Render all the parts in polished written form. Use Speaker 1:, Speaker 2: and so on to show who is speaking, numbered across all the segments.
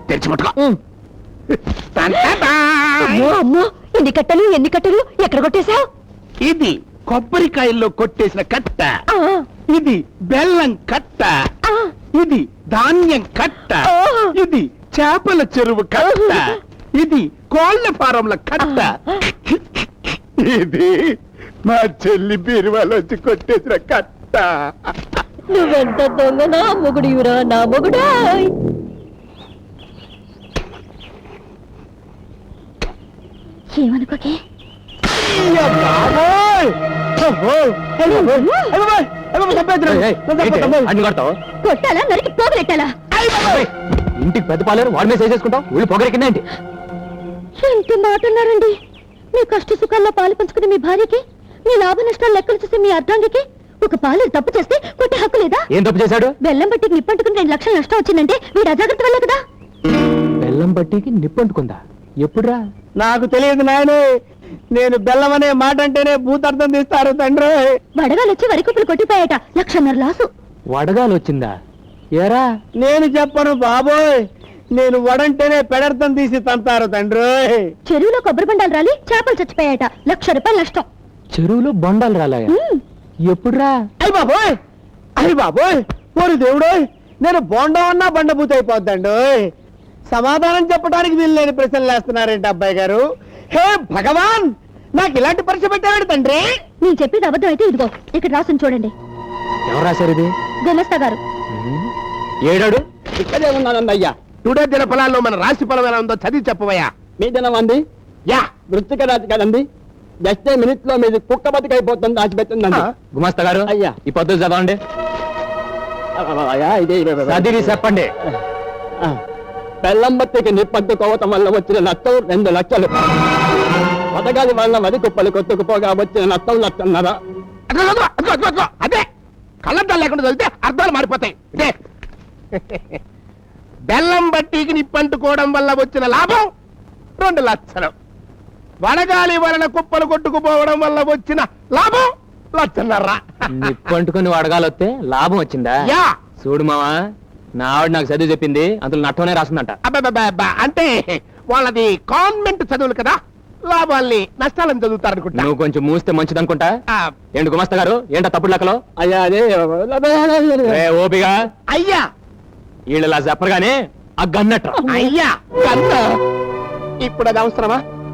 Speaker 1: తెరిచి ముట్టుకో.
Speaker 2: అమ్మో ఎన్ని కట్టలు ఎక్కడ కొట్టేశావు?
Speaker 1: ఇది కొబ్బరికాయల్లో కొట్టేసిన కట్ట, ఇది బెల్లం కట్ట, ఇది ధాన్యం కట్ట, ఇది చేపల చెరువు కట్ట, ఇది కోళ్ల ఫారంల కట్ట, ఇది మా చెల్లి బీరువాలో వచ్చి కొట్టేసిన కట్ట.
Speaker 2: నువ్వెంత దొంగ నా మొగుడివిరా నా మొగుడా. ఏమనుకోకే కొట్టాలా నరికి పోగలెట్టాలా?
Speaker 3: ఇంటికి పెద్ద పాలేరు వాడి మీద చేసేసుకుంటావు, వీళ్ళు పొగరెక్కిందేంటి?
Speaker 2: ఎంత మాట అన్నారండి. మీ కష్ట సుఖాల్లో పాలు పంచుకునే మీ భార్యకి, మీ లాభ నష్టాలు లెక్కలు చూసే మీ అర్ధాంగికి ఒక పాలేరు తప్పు చేస్తే కొట్టే హక్కు లేదా?
Speaker 3: ఏం తప్పు చేశాడు?
Speaker 2: బెల్లం బట్టికి నిప్పంటుకుని 2 లక్షలు నష్టం వచ్చిందంటే వీడు అజాగ్రత్త వల్లే కదా.
Speaker 3: బెల్లం బట్టికి నిప్పంటుకుందా? ఎప్పుడురా?
Speaker 4: నాకు తెలియదు నాయనే, నేను బెల్లం అనే మాట అంటేనే భూతార్థం తీస్తారు తండ్రి.
Speaker 2: వడగాలు వచ్చి వరి కుప్పలు కొట్టిపోయాట, 1.5 లక్షల లాసు.
Speaker 3: వడగాలు వచ్చిందా? ఏరా
Speaker 4: నేను చెప్పను బాబోయ్, నేను వడంటేనే పెడర్థం తీసి తంతారు తండ్రి.
Speaker 2: చెరువులో కొబ్బరి బండాలు రాలి చేపలు చచ్చిపోయాట, 1 లక్ష రూపాయలు నష్టం.
Speaker 3: చెరువులో బొండాలు రాలాయా? ఎప్పుడురా?
Speaker 4: అయ్య బాబోయ్, అయ్య బాబోయ్, ఓరి దేవుడోయ్, నేను బోండం అన్నా బండబూత అయిపోద్దండి. సమాధానం చెప్పడానికి వీలు లేని ప్రశ్నలు వేస్తున్నారేంటి అబ్బాయి గారు? హే భగవాన్, నాకు ఇలాంటి పరీక్ష పెట్టాడు తండ్రి.
Speaker 2: నేను చెప్పేది అబద్ధం అయితే ఇదిగో ఇక్కడ రాసుని చూడండి.
Speaker 3: ఎవరు రాశారు ఇది?
Speaker 2: గుమస్తా గారు.
Speaker 3: ఏడాడు?
Speaker 4: ఇక్కడే ఉన్నానండి అయ్యా.
Speaker 1: టుడే దిన ఫలాల్లో మన రాశి ఫలం ఎలా ఉందో చదివి చెప్పవయ్యా.
Speaker 4: మీ దినం అంది
Speaker 1: యా
Speaker 4: వృత్తిక రాజు కదండి. జస్ట్ మినిట్ లో మీది కుక్క బతికైపోతుంది దాచిపెట్టిందండి.
Speaker 3: గుమస్తా గారు
Speaker 4: అయ్యా.
Speaker 3: ఈ పద్ధతి చదవండి.
Speaker 4: అయ్యా ఇదే
Speaker 3: చదివి చెప్పండి.
Speaker 4: బెల్లం బత్తికి నిప్పంటుకోవటం వల్ల వచ్చిన నష్టం 2 లక్షలు. పథకాల వల్ల వరి కుప్పలు కొట్టుకుపోగా వచ్చిన నష్టం 1.5 లక్షలు.
Speaker 1: అదే కళ్ళద్దాలు లేకుండా చదివితే అర్థాలు మారిపోతాయి. ఇదే బెల్లం బట్టీకి నిప్పంటుకోవడం వల్ల వచ్చిన లాభం 2 లక్షలు. వడగాలి వలన కుప్పలు కొట్టుకుపోవడం వల్ల వచ్చిన లాభం 1.5 లక్షలు.
Speaker 3: నిప్పంటుకుని వడగాలు వస్తే లాభం వచ్చిందా?
Speaker 1: యా
Speaker 3: చూడు మావా, నా ఆవిడ నాకు చదివి చెప్పింది, అందులో నట్టనే రాస్తుందంట.
Speaker 1: అబ్బా అంటే వాళ్ళది కాన్వెంట్ చదువులు కదా, లాభాల్ని నష్టాలను చదువుతారనుకుంటా.
Speaker 3: నువ్వు కొంచెం మూస్తే మంచిదనుకుంటా. ఏంటి గుమస్తా గారు, ఏంటో తప్పుడు లెక్కలో?
Speaker 4: అయ్యా అదే
Speaker 3: ఓపిగా
Speaker 1: అయ్యా
Speaker 3: వీళ్ళు ఇలా చెప్పరుగానే ఆ గన్నట్ట.
Speaker 1: అయ్యా కన్న ఇప్పుడు అది అవసరమా?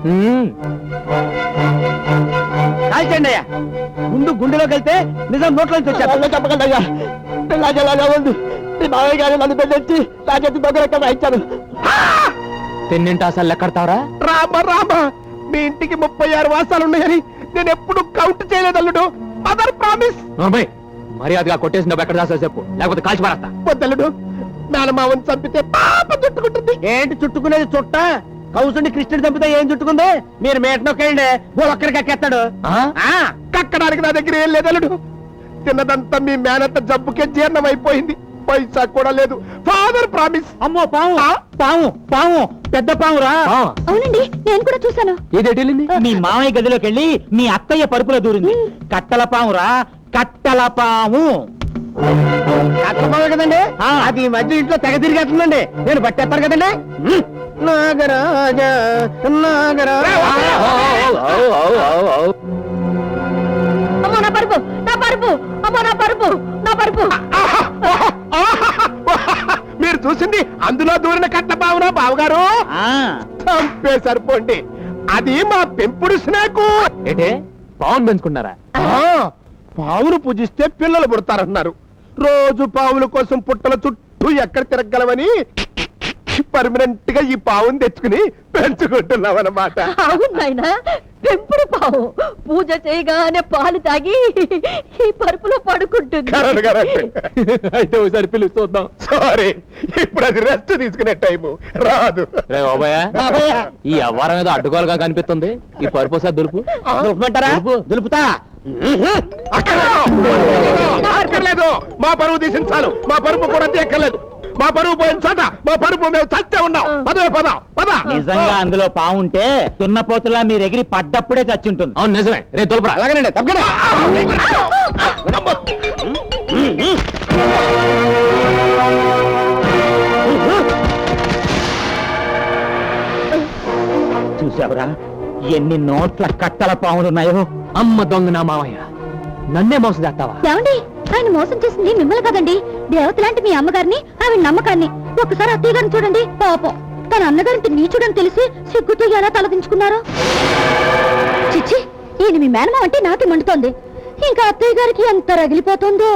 Speaker 4: కాల్చండి అయ్యా. ముందు గుండెలోకి వెళ్తే నిజం నోట్లోంచి వచ్చారు. చెప్పకండి అయ్యా, పిల్లాజలాగా ఉంది. మీ మావయ్య గారు నన్ను పెద్దెచ్చి నా చేతి దగ్గర రాయించారు.
Speaker 3: తిన్నింటి అసలు లెక్కడతావరా?
Speaker 1: రామ మీ ఇంటికి 36 వాసాలు ఉన్నాయని నేను ఎప్పుడు కౌంట్ చేయలేదు అల్లుడు. Mother promise.
Speaker 3: మర్యాదగా కొట్టేసిన డబ్బు ఎక్కడ దాసా చెప్పు, లేకపోతే కాల్చి పారేస్తా.
Speaker 1: వద్దల్లుడు, మేనమావని చంపితే పాప చుట్టుకుంటుంది.
Speaker 4: ఏంటి చుట్టుకునేది? చుట్ట కౌసుని కృష్ణుడు చంపితే ఏం చుట్టుకుంది? మీరు మేట నొక్కేయండి, ఒక్కరికి ఎక్కేస్తాడు.
Speaker 1: కక్కడానికి నా దగ్గర ఏం లేదు అల్లుడు. తిన్నదంతా మీ మేనత్త జబ్బుకే జీర్ణం అయిపోయింది, పైసా కూడా లేదు. Father promise.
Speaker 4: అమ్మో పాము, పాము పాము, పెద్ద పామురా.
Speaker 2: అవునండి, నేను కూడా చూశాను.
Speaker 3: ఏదేటెళ్ళింది?
Speaker 4: మీ మామయ్య గదిలోకి వెళ్ళి మీ అత్తయ్య పరుపులో దూరింది. కట్టల పామురా, కట్టల పాము. కట్టపాము కదండి, అది ఈ మధ్య ఇంట్లో తెగ తిరిగేస్తుందండి. నేను పట్టేస్తారు కదండి. నాగరాజ నాగరాజ.
Speaker 2: అమ్మో నా పరుపు, నా పరుపు, అమ్మో నా పరుపు, నా పరుపు.
Speaker 1: మీరు చూసింది అందులో దూరిన కట్ట బావునా బావగారు? చంపే సరిపోండి, అది మా పెంపుడు స్నేకు.
Speaker 3: ఏంటే పావును పెంచుకున్నారా?
Speaker 1: పావును పూజిస్తే పిల్లలు పుడతారన్నారు. రోజు పావుల కోసం పుట్టల చుట్టూ ఎక్కడ తిరగలవని పర్మనెంట్ గా ఈ పావును తెచ్చుకుని పెంచుకుంటున్నాం అన్నమాట.
Speaker 2: అవునాయనా, పెంపుడు పావు పూజ చేయగానే పాలు తాగి ఈ పరుపులో పడుకుంటుంది.
Speaker 1: అయితే ఒకసారి పిలిచి చూద్దాం. సారీ, ఇప్పుడు అది రెస్ట్ తీసుకునే టైము రాదు.
Speaker 3: ఈ అవ్వారం ఏదో అడ్డుకోలుగా కనిపిస్తుంది. ఈ పరుపు సార్ దులుపు.
Speaker 4: దులుపుమంటారా? దులుపుతా.
Speaker 1: అక్కర్లేదు, మా పరువు తీసించాలు. మా పరుపు కూడా తీయక్కర్లేదు. మా పరువు పోయిన చోట మా పరుపు మేము చచ్చే ఉన్నాం. పదవే పద.
Speaker 4: నిజంగా అందులో పావుంటే తున్నపోతులా మీరు ఎగిరి పడ్డప్పుడే చచ్చి ఉంటుంది.
Speaker 3: అవును నిజమే. రే తోలుపురా.
Speaker 4: అలాగేనండి, తప్పకుండా.
Speaker 5: చూసావురా ఎన్ని నోట్ల కట్టల పాములున్నాయో.
Speaker 3: అమ్మ దొంగ నా మావయ్య, నన్నే మోసం చేస్తావా?
Speaker 2: ఏమండి, ఆయన మోసం చేసింది మిమ్మల్ని కదండి, దేవత లాంటి మీ అమ్మగారిని, ఆవిడ నమ్మకాన్ని. ఒకసారి అత్తయ్య గారిని చూడండి, పాపం తన అన్నగారింటి నీచుడని తెలిసి సిగ్గుతో ఎలా తలదించుకున్నారో. చిచ్చి, ఈయన మీ మేనమా అంటే నాకే మండుతోంది. ఇంకా అత్తయ్య గారికి ఎంత రగిలిపోతుందో.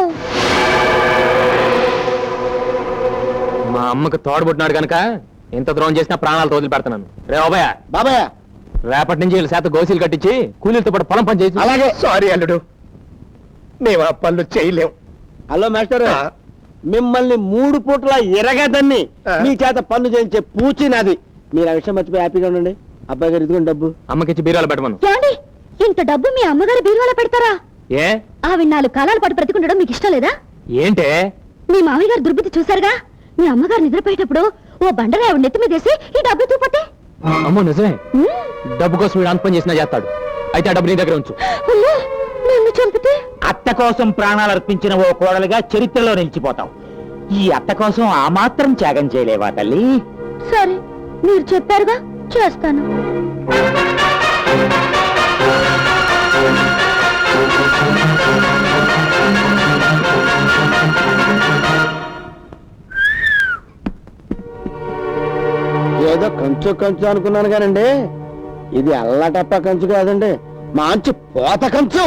Speaker 3: మా అమ్మకు తోడబుట్టినాడు కనుక ఎంత ద్రోహం చేసినా ప్రాణాలు వదిలి పెడతాను. రే బాబాయ్,
Speaker 4: బాబాయ్
Speaker 3: రేపటి నుంచి వీళ్ళ చేత గోసీలు కట్టించి కూలీలతో పాటు పొలం పని చేసి.
Speaker 4: అలాగే.
Speaker 1: సారీ అల్లుడు, మేము ఆ పనులు చేయలేం.
Speaker 4: హలో మాస్టర్,
Speaker 1: ఆ.
Speaker 4: మిమ్మల్ని 3 పూట్ల ఎరగదని
Speaker 1: ఆ.
Speaker 4: మీ చేత పన్ను చేయించే పూచి నాది. మీరు ఆ విషయం మర్చిపోయి హ్యాపీగా ఉండండి. అబ్బాయి గారు ఇదిగోండి డబ్బు.
Speaker 3: అమ్మకిచ్చి బీరాలు పెట్టమను.
Speaker 2: ఏమండి, ఇంత డబ్బు మీ అమ్మగారి బీరువాలో పెడతారా?
Speaker 3: ఏ
Speaker 2: ఆవిడ 4 కాలాల పాటు బ్రతికుండడం మీకు ఇష్టం లేదా?
Speaker 3: ఏంటే
Speaker 2: మీ మామయ్య గారు దుర్బుద్ధి చూశారుగా. మీ అమ్మగారు నిద్రపోయేటప్పుడు ఓ బండగా ఆవిడ నెత్తి మీదేసి ఈ డబ్బు తూపోతే.
Speaker 3: అమ్మో నిజమే, డబ్బు కోసం వీడు అంత పని చేసినా చేస్తాడు. అయితే ఆ డబ్బు నీ దగ్గర ఉంచు.
Speaker 2: అమ్మో, నన్ను చంపితే?
Speaker 5: అత్త కోసం ప్రాణాలు అర్పించిన ఓ కోడలుగా చరిత్రలో నిలిచిపోతాం. ఈ అత్త కోసం ఆ మాత్రం త్యాగం చేయలేవా తల్లి?
Speaker 2: సరే, మీరు చెప్పారుగా, చేస్తాను.
Speaker 4: ఏదో కంచు కంచు అనుకున్నాను కానండి, ఇది అల్లటప్ప కంచు కాదండి, మంచి పోత కంచు.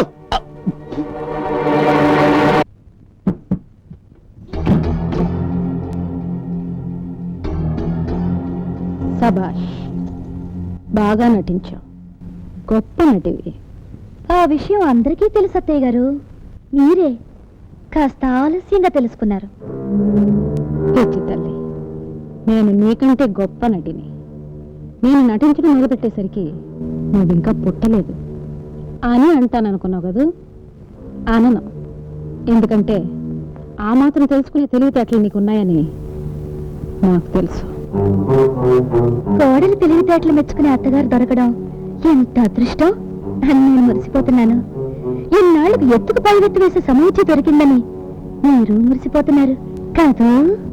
Speaker 2: సబాష్, బాగా నటించావు, గొప్ప నటివి. ఆ విషయం అందరికీ తెలుసు అత్తయ్య గారు, మీరే కాస్త ఆలస్యంగా తెలుసుకున్నారు.
Speaker 6: పిచ్చి తల్లి, నేను నీకంటే గొప్ప నటిని. నేను నటించడం మొదలుపెట్టేసరికి నువ్వు ఇంకా పుట్టలేదు అని అంటాననుకున్నావు కదూ? అనను. ఎందుకంటే ఆ మాత్రం తెలుసుకునే తెలివితేటలు నీకున్నాయని నాకు తెలుసు.
Speaker 2: కోడలు తెలివితేటలు మెచ్చుకునే అత్తగారు దొరకడం ఎంత అదృష్టం అని నేను మురిసిపోతున్నాను. ఇన్నాళ్ళకి ఎత్తుకు పైవెత్తు వేసే సమూచి దొరికిందని మీరు మురిసిపోతున్నారు కాదు?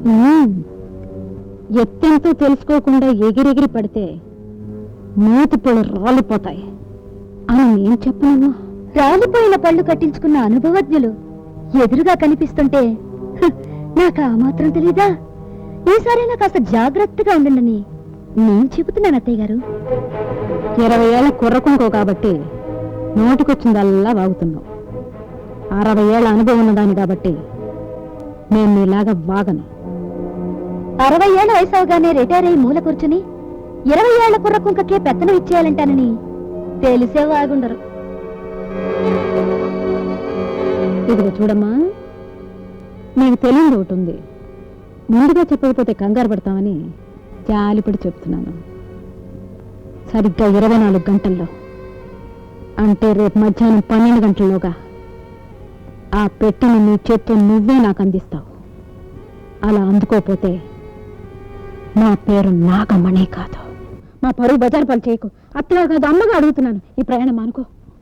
Speaker 6: ఎత్తెంతో తెలుసుకోకుండా ఎగిరెగిరి పడితే మూతి పళ్ళు రాలిపోతాయి అని నేను చెప్పను.
Speaker 2: రాలిపోయిన పళ్ళు కట్టించుకున్న అనుభవజ్ఞులు ఎదురుగా కనిపిస్తుంటే నాకు ఆ మాత్రం తెలీదా? ఈసారైనా కాస్త జాగ్రత్తగా ఉండండి నేను చెబుతున్నాను అత్తయ్య గారు.
Speaker 6: 20 ఏళ్ల కుర్రకుంకో కాబట్టి నోటికొచ్చిందల్లా వాగుతున్నావు. 60 ఏళ్ల అనుభవం ఉన్నదాన్ని కాబట్టి నేను నీలాగా వాగను.
Speaker 2: 60 ఏళ్ల వయసు అవగానే రిటైర్ అయ్యి మూల కూర్చుని 20 ఏళ్ల కుర్ర కుంకకే పెత్తనం ఇచ్చేయాలంటానని తెలిసే వాగుండరు.
Speaker 6: ఇదిగో చూడమ్మా, నీకు తెలియదు ఒకటి ఉంది. ముందుగా చెప్పకపోతే కంగారు పడతామని జాలిపడి చెప్తున్నాను. సరిగ్గా 24 గంటల్లో, అంటే రేపు మధ్యాహ్నం 12 గంటల్లోగా ఆ పెట్టిన నీ చేత్తో నువ్వే నాకు అందిస్తావు. అలా అందుకోపోతే నా పేరు నాగమణి కాదు. మా పరువు బజారు పని చేయకు. అత్తగా కాదు, అమ్మగా అడుగుతున్నాను. ఈ ప్రయాణం అనుకో.